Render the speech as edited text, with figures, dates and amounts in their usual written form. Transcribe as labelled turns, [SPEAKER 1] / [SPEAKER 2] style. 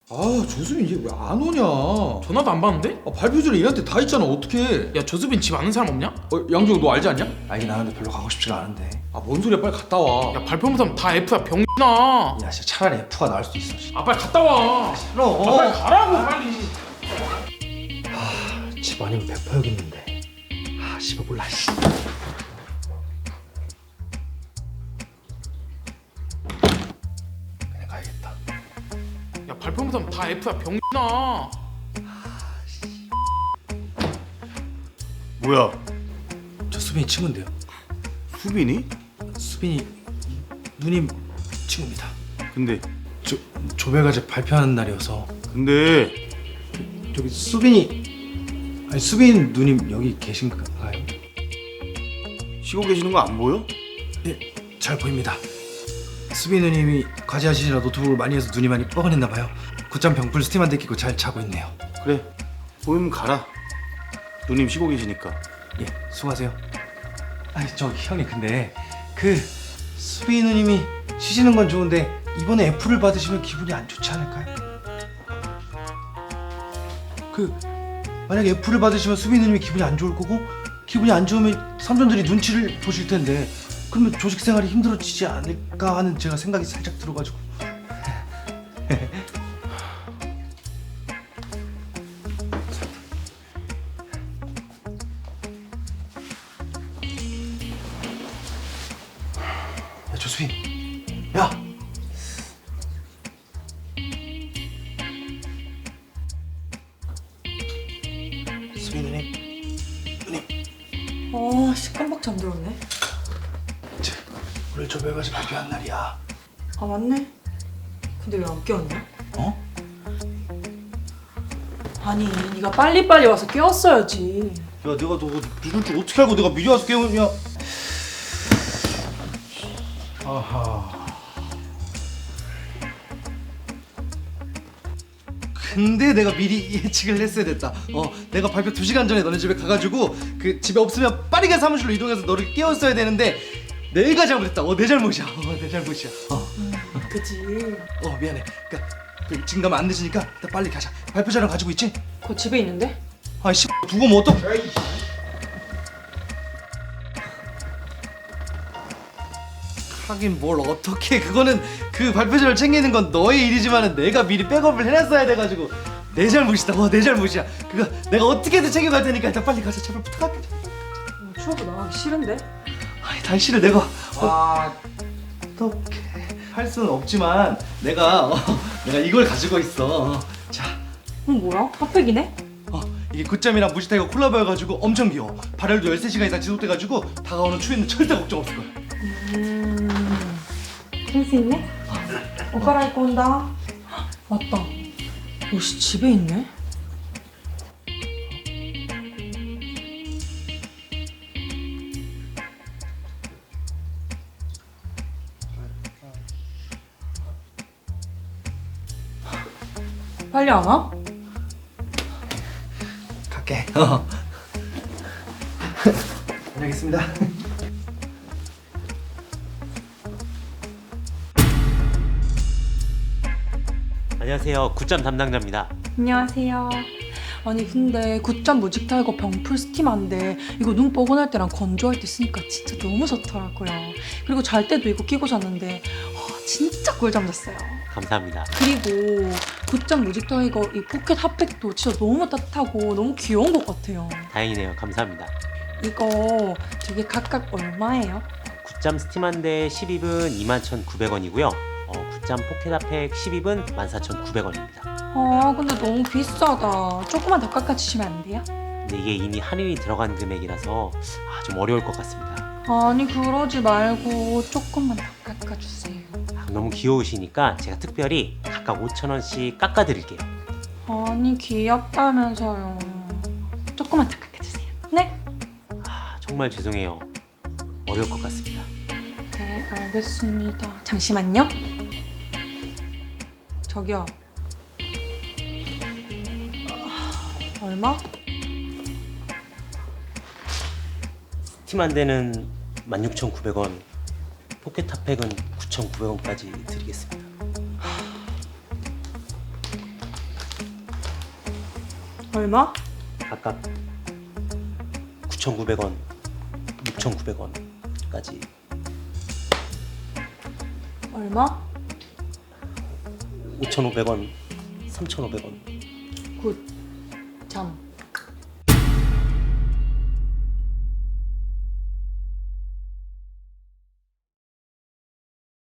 [SPEAKER 1] 아, 조수빈 얘 왜 안 오냐?
[SPEAKER 2] 전화도 안 받는데?
[SPEAKER 1] 아, 발표 전에 얘한테 다 했잖아. 어떡해?
[SPEAKER 2] 야 조수빈 집 아는 사람 없냐?
[SPEAKER 1] 양주호 너 알지 않냐?
[SPEAKER 3] 알긴 아는데 별로 가고 싶지가 않은데.
[SPEAKER 1] 아, 뭔 소리야? 빨리 갔다 와.
[SPEAKER 2] 야 발표 못하면 다 F야 병신아.
[SPEAKER 3] 야 진짜 차라리 F가 나을 수도 있어.
[SPEAKER 2] 아 빨리 갔다 와.
[SPEAKER 3] 싫어.
[SPEAKER 2] 아 빨리 가라고 빨리.
[SPEAKER 3] 집 아니면 100% 여기 있는데. 아 씨발 몰라. 씨. 그냥 가야겠다.
[SPEAKER 2] 야 발표 못하면 다 F야 병신아.
[SPEAKER 4] 뭐야?
[SPEAKER 3] 저 수빈이 친구인데요.
[SPEAKER 4] 수빈이?
[SPEAKER 3] 수빈이 누님 친구입니다.
[SPEAKER 4] 근데
[SPEAKER 3] 조별과제 발표하는 날이어서
[SPEAKER 4] 근데
[SPEAKER 3] 저기 수빈이 아니 수빈 누님 여기 계신가요?
[SPEAKER 4] 쉬고 계시는 거 안 보여?
[SPEAKER 3] 예, 잘 보입니다. 수빈 누님이 과제하시느라 노트북을 많이 해서 눈이 많이 뻐근했나 봐요. 곧잠 병풀 스팀 한 대 끼고 잘 자고 있네요.
[SPEAKER 4] 그래 보이면 가라. 누님 쉬고 계시니까.
[SPEAKER 3] 예, 수고하세요. 아니 저 형님 근데 그 수빈 누님이 쉬시는 건 좋은데 이번에 F를 받으시면 기분이 안 좋지 않을까요? 그 만약에 F를 받으시면 수빈 누님이 기분이 안 좋을 거고 기분이 안 좋으면 삼촌들이 눈치를 보실 텐데 그러면 조직 생활이 힘들어지지 않을까 하는 제가 생각이 살짝 들어가지고. 야 조수빈, 야. 수빈 누님,
[SPEAKER 5] 씨 깜빡 잠들었네.
[SPEAKER 3] 오늘 조별과제 발표한 날이야.
[SPEAKER 5] 아 맞네. 근데 왜 안 깨웠냐?
[SPEAKER 3] 어?
[SPEAKER 5] 아니 네가 빨리빨리 와서 깨웠어야지.
[SPEAKER 3] 야 내가 너 늦을 줄 어떻게 알고 내가 미리 와서 깨우냐? 아하. 근데 내가 미리 예측을 했어야 됐다. 내가 발표 2시간 전에 너네 집에 가가지고 그 집에 없으면 빠르게 사무실로 이동해서 너를 깨웠어야 되는데 내가 잘못했다. 내 잘못이야. 내 잘못이야.
[SPEAKER 5] 그지.
[SPEAKER 3] 미안해. 그러니까 지금 가면 안 늦으니까 일단 빨리 가자. 발표 자료 가지고 있지?
[SPEAKER 5] 그거 집에 있는데?
[SPEAKER 3] 아이씨 두고 뭐 어떡? 하긴 뭘 어떻게 그거는 그 발표자를 챙기는 건 너의 일이지만은 내가 미리 백업을 해놨어야 돼가지고 내 잘못이다. 내 잘못이야. 그거 내가 어떻게든 챙겨갈 테니까 일단 빨리 가자. 제발 부탁할게.
[SPEAKER 5] 추워도 나가기 싫은데?
[SPEAKER 3] 아니 당신을 내가 어떻게 할 수는 없지만 내가 이걸 가지고 있어. 자.
[SPEAKER 5] 뭐야? 핫팩이네?
[SPEAKER 3] 이게 굿잠이랑 무지타이거 콜라보여가지고 엄청 귀여워. 발열도 13시간 이상 지속돼가지고 다가오는 추위는 절대 걱정 없을 거야.
[SPEAKER 5] 그럴 수 있네? 옷 갈아입고 온다. 맞다. 옷이 집에 있네? 빨리 안 와?
[SPEAKER 3] 갈게. 다녀오겠습니다.
[SPEAKER 6] 안녕하세요. 굿잠 담당자입니다.
[SPEAKER 5] 안녕하세요. 아니 근데 굿잠 무직타이거 병풀 스팀한데 이거 눈 뻐근할 때랑 건조할 때 쓰니까 진짜 너무 좋더라고요. 그리고 잘 때도 이거 끼고 잤는데 진짜 꿀잠 잤어요.
[SPEAKER 6] 감사합니다.
[SPEAKER 5] 그리고 굿잠 무직타이거 이 포켓 핫팩도 진짜 너무 따뜻하고 너무 귀여운 것 같아요.
[SPEAKER 6] 다행이네요. 감사합니다.
[SPEAKER 5] 이거 되게 각각 얼마예요?
[SPEAKER 6] 굿잠 스팀 한 대 10입은 21,900원이고요. 굿잠 포켓 핫팩 10입은 14,900원입니다.
[SPEAKER 5] 근데 너무 비싸다. 조금만 더 깎아주시면 안 돼요?
[SPEAKER 6] 근데 이게 이미 할인이 들어간 금액이라서 좀 어려울 것 같습니다.
[SPEAKER 5] 아니 그러지 말고 조금만 더 깎아주세요.
[SPEAKER 6] 너무 귀여우시니까 제가 특별히 각각 5,000원씩 깎아드릴게요.
[SPEAKER 5] 아니 귀엽다면서요. 조금만 더 깎아주세요. 네?
[SPEAKER 6] 정말 죄송해요. 어려울 것 같습니다.
[SPEAKER 5] 네 알겠습니다. 잠시만요. 저기요. 얼마?
[SPEAKER 6] 스팀 한 대는 16,900원, 포켓 핫팩은 9,900원까지 드리겠습니다.
[SPEAKER 5] 얼마?
[SPEAKER 6] 아까 9,900원, 6,900원까지.
[SPEAKER 5] 얼마?
[SPEAKER 6] 5,500원, 3,500원.
[SPEAKER 5] 굿. 잠.